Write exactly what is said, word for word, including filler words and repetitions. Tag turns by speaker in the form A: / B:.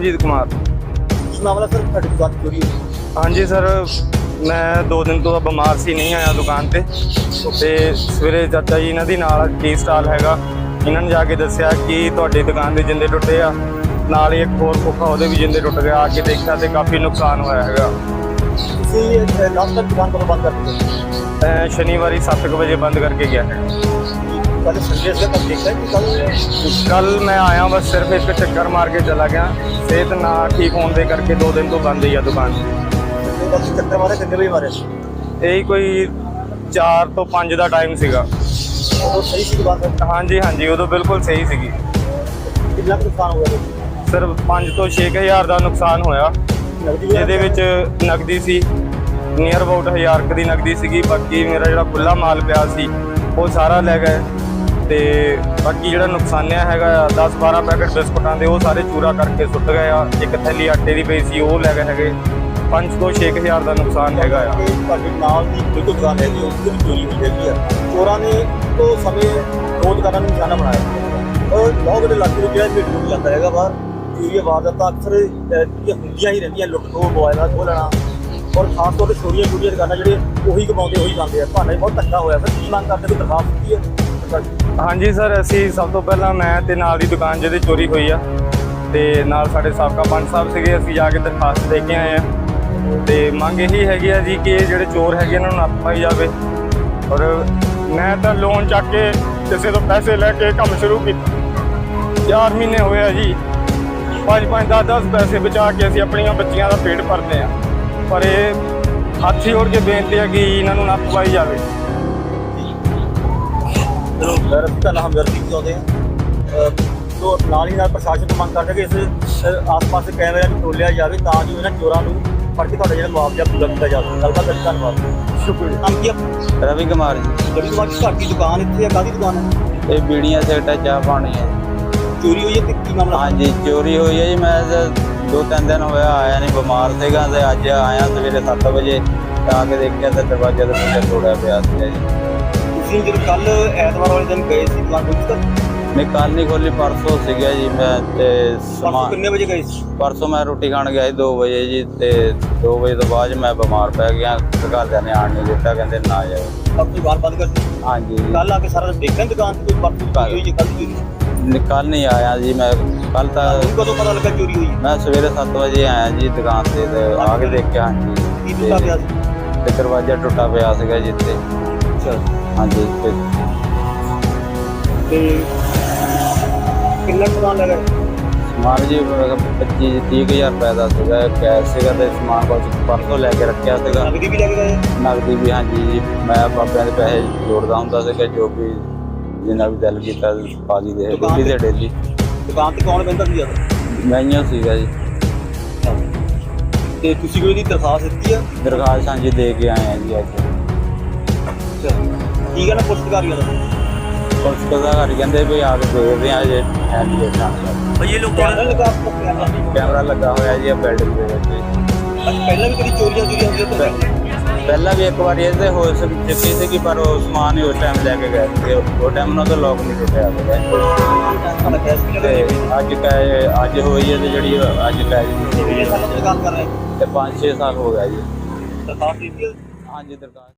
A: ਕਮਲਜੀਤ ਕੁਮਾਰ।
B: ਕੀ ਮਾਮਲਾ ਸਰ ਤੁਹਾਡੀ ਦੁਕਾਨ ਚੋਰੀ ਹੋਈ?
A: ਹਾਂਜੀ ਸਰ, ਮੈਂ ਦੋ ਦਿਨ ਤੋਂ ਬਿਮਾਰ ਸੀ, ਨਹੀਂ ਆਇਆ ਦੁਕਾਨ ਤੇ ਤੇ ਸਵੇਰੇ ਚਾਚਾ ਜੀ ਇਹਨਾਂ ਦੀ ਨਾਲ ਟੀ ਸਟਾਲ ਹੈਗਾ, ਇਹਨਾਂ ਨੇ ਜਾ ਕੇ ਦੱਸਿਆ ਕਿ ਤੁਹਾਡੀ ਦੁਕਾਨ ਦੇ ਜਿੰਦੇ ਟੁੱਟੇ ਆ, ਨਾਲ ਹੀ ਇੱਕ ਹੋਰ ਖੋਖਾ ਉਹਦੇ ਵੀ ਜਿੰਦੇ ਟੁੱਟ ਗਿਆ। ਆ ਕੇ ਦੇਖਿਆ ਤੇ ਕਾਫੀ ਨੁਕਸਾਨ ਹੋਇਆ ਹੈਗਾ।
B: ਤੁਸੀਂ ਲਾਸਟ ਤੱਕ ਦੁਕਾਨ ਕਦੋਂ ਬੰਦ ਕਰ ਦਿੱਤੀ?
A: ਅਹ ਸ਼ਨੀਵਾਰੀ ਸੱਤ ਕੁ ਵਜੇ ਬੰਦ ਕਰਕੇ ਗਿਆ ਹੈ।
B: ਕੱਲ ਸੰਡੇ ਸੀ, ਕੱਲ ਦੇਖਿਆ ਕਿ ਕੱਲ
A: ਕੱਲ ਮੈਂ ਆਇਆ, ਬਸ ਸਿਰਫ ਇੱਕ ਚੱਕਰ ਮਾਰ ਕੇ ਚਲਾ ਗਿਆ। ਸਿਹਤ ਨਾ ਠੀਕ ਹੋਣ ਦੇ ਕਰਕੇ ਦੋ ਦਿਨ ਤੋਂ ਬੰਦ ਹੀ ਆ ਦੁਕਾਨ।
B: ਕੱਲ ਚੱਕਰ ਮਾਰੇ, ਕਿੰਨੇ ਵਜੇ ਮਾਰੇ?
A: ਇਹੀ ਕੋਈ ਚਾਰ ਤੋਂ ਪੰਜ ਦਾ ਟਾਈਮ ਸੀਗਾ।
B: ਉਹ ਸਹੀ ਸੀ ਦੁਕਾਨ?
A: ਹਾਂਜੀ ਹਾਂਜੀ, ਉਦੋਂ ਬਿਲਕੁਲ ਸਹੀ ਸੀਗੀ।
B: ਕਿੰਨਾ ਕੁ ਨੁਕਸਾਨ ਹੋ ਗਿਆ?
A: ਸਿਰਫ ਪੰਜ ਤੋਂ ਛੇ ਕੁ ਹਜ਼ਾਰ ਦਾ ਨੁਕਸਾਨ ਹੋਇਆ, ਜਿਹਦੇ ਵਿੱਚ ਨਕਦੀ ਸੀ ਨੀਅਰ ਅਬਾਊਟ ਹਜ਼ਾਰ ਕੁ ਦੀ ਨਕਦੀ ਸੀਗੀ। ਬਾਕੀ ਮੇਰਾ ਜਿਹੜਾ ਖੁੱਲ੍ਹਾ ਮਾਲ ਪਿਆ ਸੀ ਉਹ ਸਾਰਾ ਲੈ ਗਏ ਤੇ ਬਾਕੀ ਜਿਹੜਾ ਨੁਕਸਾਨਿਆ ਹੈਗਾ ਆ ਦਸ ਬਾਰਾਂ ਪੈਕਟ ਬਿਸਕੁਟਾਂ ਦੇ, ਉਹ ਸਾਰੇ ਚੂਰਾ ਕਰਕੇ ਸੁੱਟ ਗਏ ਆ। ਇੱਕ ਥੈਲੀ ਆਟੇ ਦੀ ਪਈ ਸੀ, ਉਹ ਲੈ ਗਏ ਹੈਗੇ। ਪੰਜ ਤੋਂ ਛੇ ਕੁ ਹਜ਼ਾਰ ਦਾ ਨੁਕਸਾਨ ਹੈਗਾ ਆ।
B: ਤੁਹਾਡੇ ਨਾਲ ਦੀ ਬਿਲਕੁਲ ਦੁਕਾਨ ਹੈਗੀ, ਉਸ ਦੀ ਚੋਰੀ ਹੋਈ ਹੈਗੀ ਆ। ਚੋਰਾਂ ਨੇ ਉਹ ਸਮੇਂ ਦੋ ਦੁਕਾਨਾਂ ਨੂੰ ਨਿਸ਼ਾਨਾ ਬਣਾਇਆ। ਔਰ ਬਹੁਤ ਵੱਡੇ ਇਲਾਕੇ ਵਿੱਚ ਜਿਹੜਾ ਭੀੜ ਨੂੰ ਜਾਂਦਾ ਹੈਗਾ ਬਾਹਰ ਚੋਰੀ ਵਾਰਦਾਤਾਂ ਅਕਸਰ ਹੁੰਦੀਆਂ ਹੀ ਰਹਿੰਦੀਆਂ। ਲੁੱਟ ਖੋਹ, ਮੋਬਾਈਲਾਂ ਖੋਹ ਲੈਣਾ, ਔਰ ਖਾਸ ਤੌਰ 'ਤੇ ਛੋਟੀਆਂ ਛੋਟੀਆਂ ਦੁਕਾਨਾਂ ਜਿਹੜੇ ਉਹੀ ਕਮਾਉਂਦੇ ਉਹੀ ਖਾਂਦੇ ਆ। ਤੁਹਾਨੂੰ ਬਹੁਤ ਧੱਕਾ ਹੋਇਆ ਸਰ, ਕੀ ਮੰਗ ਕਰਦੇ? ਕੋਈ ਦਰਖਾਸਤ ਦਿੱਤੀ ਹੈ?
A: ਹਾਂਜੀ ਸਰ, ਅਸੀਂ ਸਭ ਤੋਂ ਪਹਿਲਾਂ ਮੈਂ ਤੇ ਨਾਲ ਦੀ ਦੁਕਾਨ ਜਿਹਦੀ ਚੋਰੀ ਹੋਈ ਆ ਤੇ ਨਾਲ ਸਾਡੇ ਸਾਬਕਾ ਪੰਚ ਸਾਹਿਬ ਸੀਗੇ, ਅਸੀਂ ਜਾ ਕੇ ਦਰਖਾਸਤ ਦੇ ਕੇ ਆਏ ਆ। ਤੇ ਮੰਗ ਇਹੀ ਹੈਗੀ ਆ ਜੀ ਕਿ ਇਹ ਜਿਹੜੇ ਚੋਰ ਹੈਗੇ ਇਹਨਾਂ ਨੂੰ ਨੱਥ ਪਾਈ ਜਾਵੇ। ਔਰ ਮੈਂ ਤਾਂ ਲੋਨ ਚੱਕ ਕੇ ਕਿਸੇ ਤੋਂ ਪੈਸੇ ਲੈ ਕੇ ਕੰਮ ਸ਼ੁਰੂ ਕੀਤਾ। ਚਾਰ ਮਹੀਨੇ ਹੋਏ ਆ ਜੀ, ਪੰਜ ਪੰਜ ਦਸ ਦਸ ਪੈਸੇ ਬਚਾ ਕੇ ਅਸੀਂ ਆਪਣੀਆਂ ਬੱਚੀਆਂ ਦਾ ਪੇਟ ਭਰਦੇ ਆ। ਪਰ ਇਹ ਹੱਥ ਜੋੜ ਕੇ ਬੇਨਤੀ ਹੈ ਕਿ ਇਹਨਾਂ ਨੂੰ ਨੱਥ ਪਾਈ ਜਾਵੇ।
B: ਚਲੋ ਸਰ, ਅਸੀਂ ਤਾਂ ਹਮਦਰਦੀ ਚਾਹੁੰਦੇ ਹਾਂ। ਸੋ ਨਾਲ ਹੀ ਨਾਲ ਪ੍ਰਸ਼ਾਸਨ ਤੋਂ ਮੰਗ ਕਰਦੇ ਕਿ ਇਸ ਆਸ-ਪਾਸ ਦੇ ਕੈਮਰਿਆਂ ਨੂੰ ਖੋਲ੍ਹਿਆ ਜਾਵੇ ਤਾਂ ਜੋ ਇਹਨਾਂ ਚੋਰਾਂ ਨੂੰ ਫੜ ਕੇ ਤੁਹਾਡਾ ਜਿਹੜਾ ਮੁਆਵਜ਼ਾ ਪੂਰਾ ਕੀਤਾ ਜਾਵੇ। ਗੱਲਬਾਤ ਕਰਨ ਧੰਨਵਾਦ।
A: ਸ਼ੁਕਰੀਆ।
B: ਨਾਮ ਕੀ ਆ?
C: ਰਵੀ ਕੁਮਾਰ ਜੀ।
B: ਜਿਹੜੀ ਤੁਹਾਡੀ ਤੁਹਾਡੀ ਦੁਕਾਨ ਇੱਥੇ ਆ, ਕਾਹਦੀ ਦੁਕਾਨ ਹੈ?
C: ਇਹ ਬੀੜੀਆਂ ਸਿਗਰਟਾਂ ਚਾਹ ਪਾਣੀ ਹੈ।
B: ਚੋਰੀ ਹੋਈ ਹੈ ਤੇ ਕੀ ਮਾਮਲਾ?
C: ਹਾਂਜੀ, ਚੋਰੀ ਹੋਈ ਹੈ ਜੀ। ਮੈਂ ਤਾਂ ਦੋ ਤਿੰਨ ਦਿਨ ਹੋਇਆ ਆਇਆ ਨਹੀਂ, ਬਿਮਾਰ ਸੀਗਾ ਤੇ ਅੱਜ ਆਇਆ ਸਵੇਰੇ ਸੱਤ ਵਜੇ ਆ ਕੇ ਦੇਖਿਆ ਤਾਂ ਦਰਵਾਜ਼ਾ ਦਾ ਮੁੰਡਾ ਤੋੜਿਆ ਪਿਆ ਸੀਗਾ ਜੀ।
B: ਤੁਸੀਂ ਜਦੋਂ ਕੱਲ ਐਤਵਾਰ ਵਾਲੇ ਦਿਨ ਗਏ ਸੀ ਦੁਕਾਨ ਵਿੱਚ ਤਾਂ
C: ਮੈਂ ਕੱਲ ਨਹੀਂ ਖੋਲੀ, ਪਰਸੋਂ ਸੀਗਾ ਜੀ। ਮੈਂ ਤੇ
B: ਪਰਸੋਂ
C: ਸਮਾਨ
B: ਕਿੰਨੇ ਵਜੇ ਗਏ ਸੀ?
C: ਪਰਸੋਂ ਮੈਂ ਰੋਟੀ ਖਾਣ ਗਿਆ ਸੀ ਦੋ ਵਜੇ ਜੀ, ਤੇ ਦੋ ਵਜੇ ਤੋਂ ਬਾਅਦ ਮੈਂ ਬਿਮਾਰ ਪੈ ਗਿਆ। ਘਰਦਿਆਂ ਨੇ ਆਣ ਨਹੀਂ ਦਿੱਤਾ, ਕਹਿੰਦੇ ਨਾ ਜਾਓ।
B: ਸਭ ਦੁਕਾਨ ਬੰਦ ਕਰ ਦਿੱਤੀ?
C: ਹਾਂਜੀ।
B: ਕੱਲ ਆ ਕੇ ਸਾਰਾ ਦਿਨ ਦੇਖਿਆ ਦੁਕਾਨ ਤੇ ਕੋਈ ਪਰਸੋਂ ਚੋਰੀ ਹੋਈ ਜਾਂ ਕੱਲ ਚੋਰੀ?
C: ਕੱਲ ਨਹੀਂ ਆਇਆ ਜੀ ਮੈਂ। ਕੱਲ ਤਾਂ
B: ਤੁਹਾਨੂੰ ਕਦੋਂ ਪਤਾ ਲੱਗਾ ਚੋਰੀ ਹੋਈ?
C: ਮੈਂ ਸਵੇਰੇ ਸੱਤ ਵਜੇ ਆਇਆ ਜੀ ਦੁਕਾਨ ਤੇ ਤੇ ਆ ਕੇ ਦੇਖਿਆ। ਹਾਂਜੀ।
B: ਕੀ ਟੁੱਟਾ ਪਿਆ ਸੀ?
C: ਤੇ ਦਰਵਾਜ਼ਾ ਟੁੱਟਾ ਪਿਆ ਸੀਗਾ ਜੀ ਤੇ।
B: ਅੱਛਾ।
C: ਹਾਂਜੀ। ਤੇ
B: ਤੇ ਕਿੰਨਾ ਸਮਾਨ ਲੱਗਾ?
C: ਸਮਾਨ ਜੀ ਪੱਚੀ ਤੀਹ ਕੁ ਹਜ਼ਾਰ ਰੁਪਏ ਦਾ ਸੀਗਾ, ਕੈਸ਼ ਸੀਗਾ ਤੇ ਸਮਾਨ ਕੁਝ ਪਰਸੋਂ ਲੈ ਕੇ ਰੱਖਿਆ ਸੀਗਾ।
B: ਨਗਦੀ ਵੀ ਲੈ ਕੇ ਗਏ?
C: ਨਗਦੀ ਵੀ ਹਾਂਜੀ ਜੀ। ਮੈਂ ਬਾਬਿਆਂ ਦੇ ਪੈਸੇ ਜੋੜਦਾ ਹੁੰਦਾ ਸੀਗਾ, ਜੋ ਵੀ ਜਿੰਨਾ ਵੀ ਦਿਲ ਕੀਤਾ ਪਾ ਲਈ ਦੇ ਡੇਲੀ ਦੇ ਡੇਲੀ।
B: ਦੁਕਾਨ ਤੇ ਕੌਣ ਬਹਿੰਦਾ ਸੀ ਜ਼ਿਆਦਾ?
C: ਮੈਂ ਹੀ ਸੀਗਾ ਜੀ।
B: ਤੇ ਤੁਸੀਂ ਕੋਈ ਦੀ ਦਰਖਾਸਤ ਦਿੱਤੀ ਆ?
C: ਦਰਖਾਸਤ ਹਾਂਜੀ ਦੇ ਕੇ ਆਏ ਆ ਜੀ ਅੱਜ।
B: ਅੱਛਾ। ਕੀ ਕਹਿਣਾ ਪੁਲਿਸ ਅਧਿਕਾਰੀਆਂ ਦਾ?
C: ਪੁਲਿਸ ਅਧਿਕਾਰੀ ਕਹਿੰਦੇ ਵੀ ਆ ਕੇ ਦੇਖਦੇ ਆ ਜੇ ਹੈ ਨਹੀਂ ਦੇਖਣਾ।
B: ਭਈ ਇਹ ਲੋਕ ਕੈਮਰਾ ਲਗਾ ਕੈਮਰਾ
C: ਕੈਮਰਾ ਲੱਗਾ ਹੋਇਆ ਜੀ ਬਿਲਡਿੰਗ ਦੇ ਵਿੱਚ।
B: ਪਹਿਲਾਂ ਵੀ ਕਦੀ ਚੋਰੀਆਂ ਚੋਰੀਆਂ ਹੋਈਆਂ ਤਾਂ
C: ਪਹਿਲਾਂ ਵੀ ਇੱਕ ਵਾਰੀ ਇਹਦੇ ਹੋ ਚੁੱਕੀ ਸੀਗੀ, ਪਰ ਉਹ ਸਮਾਨ ਹੀ ਉਸ ਟਾਈਮ ਲੈ ਕੇ ਗਏ ਸੀ। ਉਹ ਟਾਈਮ ਨਾਲ ਤਾਂ ਲੋਕ ਨਹੀਂ ਟੁੱਟਿਆ ਸੀਗਾ। ਤੇ ਅੱਜ ਕਹੇ ਅੱਜ ਹੋਈ ਹੈ ਤੇ ਜਿਹੜੀ ਅੱਜ ਕਹੇ
B: ਦੁਕਾਨ ਕਰ ਰਹੇ
C: ਤੇ ਪੰਜ ਛੇ ਸਾਲ ਹੋ ਗਿਆ ਜੀ।
B: ਦਰਖਾਸਤ ਦਿੱਤੀ?
C: ਹਾਂਜੀ ਦਰਖਾਸਤ